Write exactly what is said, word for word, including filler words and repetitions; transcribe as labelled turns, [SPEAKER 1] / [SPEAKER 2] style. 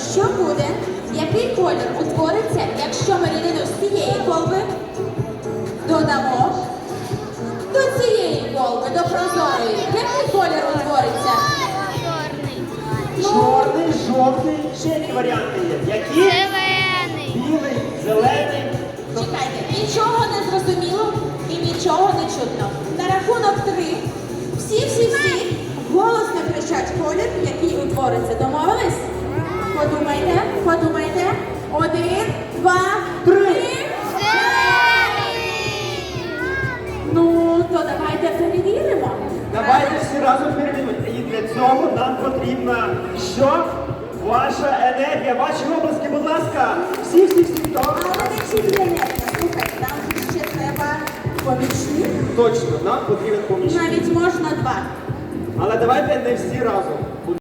[SPEAKER 1] що буде, який колір утвориться, якщо ми рідину з цієї колби додамо до цієї колби, до прозорої. Який колір утвориться?
[SPEAKER 2] Чорний, жовтий, ще які варіанти є. Які?
[SPEAKER 3] Зелений.
[SPEAKER 2] Білий, зелений.
[SPEAKER 1] Чекайте, нічого не зрозуміло і нічого не чутно. На рахунок три всі-всі-всі голосно кричать колір, який утвориться. Домовились? Подумайте, подумайте. Один, два, три. Ну, то давайте перевіримо.
[SPEAKER 2] Давайте всі разом перевіримо. І для цього нам потрібна що? Ваша енергія, ваші обласки, будь ласка. Всі, всі, всі.
[SPEAKER 1] Але не тільки енергія. Слухайте, нам ще треба помічник.
[SPEAKER 2] Точно, нам потрібен помічник.
[SPEAKER 1] Навіть можна два.
[SPEAKER 2] Але давайте не всі разом.